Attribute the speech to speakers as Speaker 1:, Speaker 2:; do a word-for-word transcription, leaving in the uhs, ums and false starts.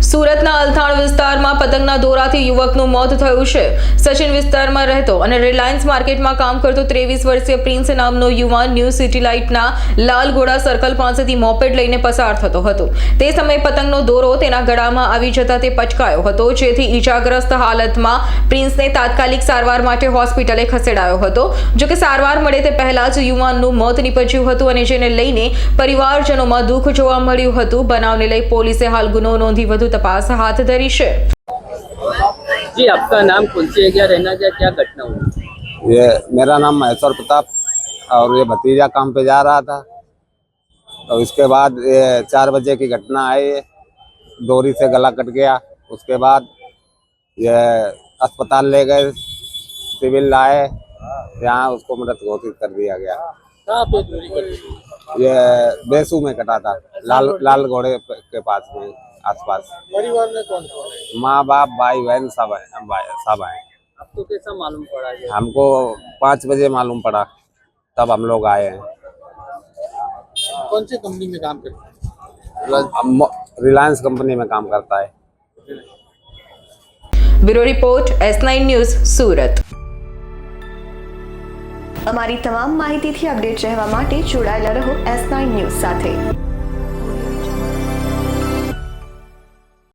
Speaker 1: સુરતના અલથાણ વિસ્તારમાં પતંગના દોરાથી યુવકનું મોત થયું છે। સચિન વિસ્તારમાં રહેતો અને રિલાયન્સ માર્કેટમાં કામ કરતો ત્રેવીસ વર્ષીય પ્રિન્સ નામનો યુવાન ન્યૂ સિટી લાઇટના લાલગોડા સર્કલ પાસેથી મોપેડ લઈને પસાર થતો હતો। તે સમયે પતંગનો દોરો તેના ગળામાં આવી જતા તે પચકાયો હતો, જેથી ઈજાગ્રસ્ત હાલતમાં પ્રિન્સને તાત્કાલિક સારવાર માટે હોસ્પિટલે ખસેડાયો હતો। જો કે સારવાર મળે તે પહેલા જ યુવાનનું મોત નીપજ્યું હતું અને જેને લઈને પરિવારજનોમાં દુઃખ જોવા મળ્યું હતું। બનાવને લઈ પોલીસે હાલ ગુનો નોંધી વધુ तपास हाथ धरी है।
Speaker 2: जी, आपका नाम कौन सी है, क्या रहना क्या क्या घटना हुई?
Speaker 3: ये मेरा नाम महेश्वर प्रताप और ये भतीजा काम पे जा रहा था। तो इसके बाद ये चार बजे की घटना है, ये डोरी से गला कट गया। उसके बाद ये अस्पताल ले गए, सिविल लाए, यहाँ उसको मृत घोषित कर दिया गया।
Speaker 2: कहाँ पे डोरी कटी?
Speaker 3: ये बेसू में कटा था, लाल लाल घोड़े के पास में आसपास।
Speaker 2: परिवार में कौन कौन है?
Speaker 3: माँ बाप भाई बहन सब है, सब हैं।
Speaker 2: आपको कैसा मालूम पड़ा? ये
Speaker 3: हमको पाँच बजे मालूम पड़ा, तब हम लोग आए हैं।
Speaker 2: कौन सी कंपनी में काम करते हैं?
Speaker 3: रिलायंस कंपनी में काम करता है।
Speaker 1: Bureau report S nine news Surat.
Speaker 4: અમારી તમામ માહિતીથી અપડેટ રહેવા માટે જોડાયેલા રહો એસ નાઇન ન્યૂઝ સાથે।